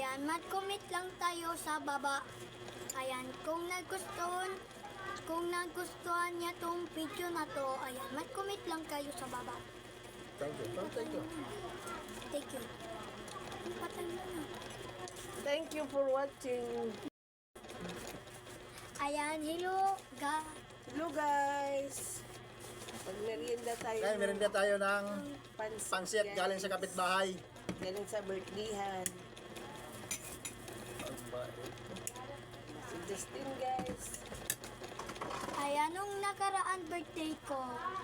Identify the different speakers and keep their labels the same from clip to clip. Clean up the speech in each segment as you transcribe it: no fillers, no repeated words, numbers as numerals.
Speaker 1: Ayan, mag-comment lang tayo sa baba. Ayan, kung nagustuhan niya tong video na to, ayan, mag-comment lang kayo sa baba.
Speaker 2: Thank you. Thank you.
Speaker 1: Thank you. Patay mo na.
Speaker 3: Thank you for watching.
Speaker 1: Ayan, hello,
Speaker 3: Hello guys. Magmerienda tayo.
Speaker 2: Ngayon, meron tayo ng pansit
Speaker 3: guys.
Speaker 2: galing sa kapitbahay.
Speaker 3: Galing sa birthdayhan. Si Justin guys.
Speaker 1: Ayan, nung nakaraan birthday ko.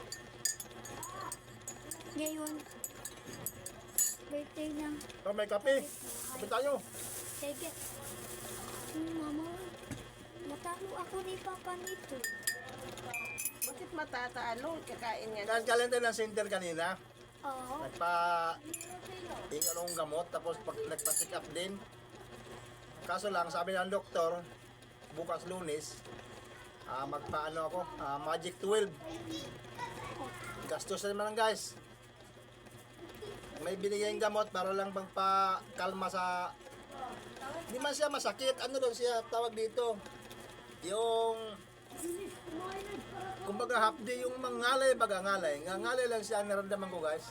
Speaker 1: Ngayon, birthday ng
Speaker 2: Oh, may kape. Kape tayo.
Speaker 1: sige. Mama, natalo ako ni Papa nito.
Speaker 3: Bakit matatalo? Kakain nga.
Speaker 2: Dahil galing tayo ng center kanina.
Speaker 1: Oo.
Speaker 2: Nagpa-ingal akong gamot, tapos nagpa-check up din. Kaso lang, sabi ng doktor, bukas Lunes, magpaano ako, Magic 12. Gastos na naman guys. May binigay gamot para lang pagpakalma sa... Hindi man siya masakit. Ano daw siya tawag dito? Yung... Kumbaga half day yung mangalay, bagangalay. Ngangalay lang siya ang naramdaman ko guys.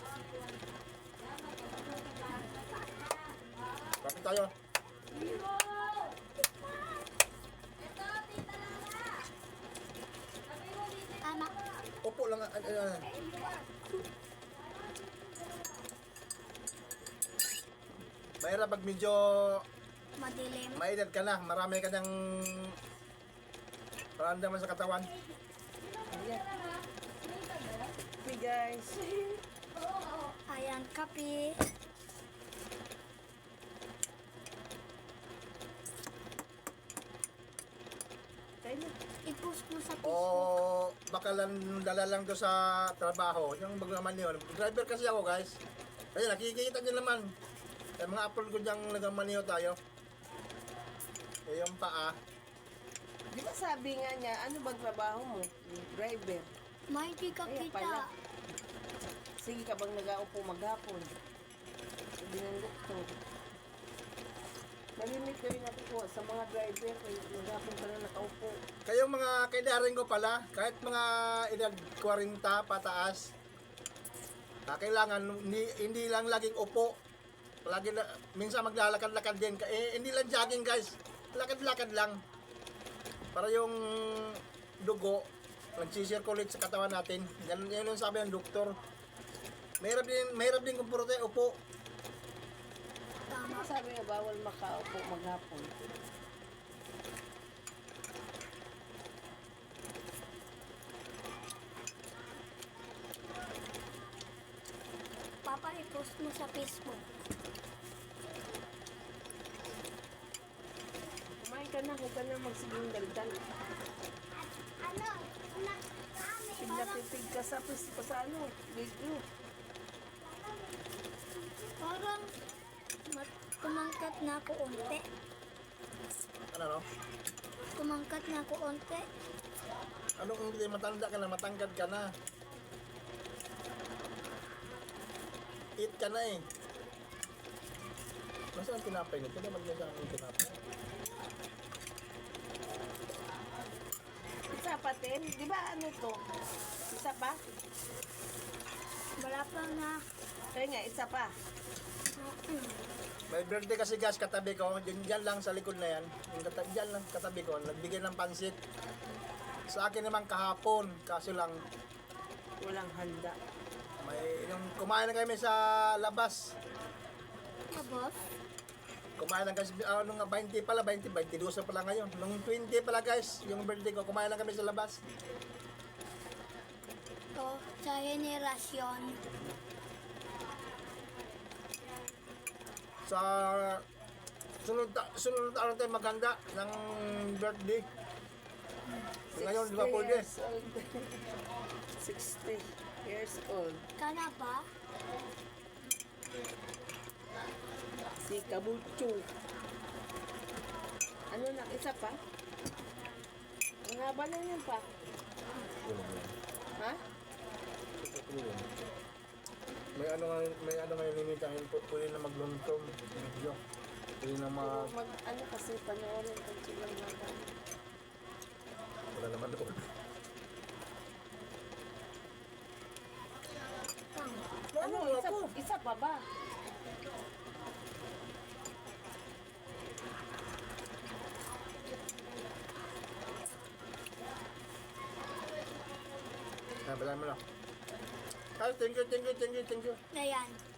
Speaker 2: Bakit tayo?
Speaker 1: Tama.
Speaker 2: Upo lang. Mahirap pag medyo
Speaker 1: Madilim.
Speaker 2: maedad ka na, marami ka ng paramdaman sa katawan.
Speaker 3: Okay guys.
Speaker 1: Ayan, kape.
Speaker 3: Kain na.
Speaker 1: I-post mo sa
Speaker 2: O
Speaker 1: Facebook.
Speaker 2: baka lang dala lang to sa trabaho, yung magnaman yun. Driver kasi ako guys. Kaya nakikita nyo naman. Yung mga upload ko diyang nagmamaniho tayo. Eh yung paa.
Speaker 3: Di ba sabi nga niya, ano ba trabaho mo? Driver.
Speaker 1: May di ka
Speaker 3: Kaya
Speaker 1: kita.
Speaker 3: pala. Sige ka bang nag-aupo maghapon? Sabi ng doktor. Malimit kayo nakukuha sa mga driver. Maghapon ka na nakaupo.
Speaker 2: Kayong mga kaidaring ko pala, kahit mga edad 40 pataas, kailangan hindi lang laging upo. Lagi na, minsan maglalakad-lakad din. Hindi lang jogging guys. Lakad-lakad lang. Para yung dugo, nagsisirculate sa katawan natin. Yan yung sabi ng doktor. Mahirap din kung puro tayo upo.
Speaker 3: Ano sabi nga bawal makaupo maghapon?
Speaker 1: Papa, i-post mo sa Facebook.
Speaker 3: Kumain ka na, huwag ka na magsiging daldal.
Speaker 1: Ano?
Speaker 3: Pinapipig ka sa video.
Speaker 1: Parang kumangkat na ako unti.
Speaker 2: Ano no?
Speaker 1: Kumangkat na ako unti.
Speaker 2: Anong hindi matanda ka na, matangkad ka na. Eat ka na eh. Nasaan ang tinapay nito? Naman niya sa aking tinapay.
Speaker 3: Isa pa, Ten? Di ba ano to? Isa pa?
Speaker 1: Wala pa na.
Speaker 3: Kaya nga, isa pa.
Speaker 2: May birthday kasi guys, katabi ko. Diyan lang sa likod na yan. Diyan lang katabi ko. Nagbigay ng pansit. Sa akin naman kahapon. Kaso lang,
Speaker 3: Walang handa.
Speaker 2: yung kumain na kami sa labas.
Speaker 1: Abos?
Speaker 2: Kumain lang kasi, nung 20 pala, 22 na pala ngayon. Nung 20 pala guys, yung birthday ko, kumain lang kami sa labas.
Speaker 1: To, sa henerasyon.
Speaker 2: Sa sunod na tayo maghanda ng birthday. Ngayon, di ba po din?
Speaker 3: 60 years old.
Speaker 1: Kana ba?
Speaker 3: Si Kabucho. Ano na, isa pa? Ang haba na yan pa. Ha?
Speaker 2: May ano ngayon limitahin po, pwede na magluntong video. Hindi na
Speaker 3: Ano kasi panoorin pag silang mga
Speaker 2: wala naman doon.
Speaker 3: ano, isa pa ba?
Speaker 2: Bala mo lang. Thank you.
Speaker 1: Ayan.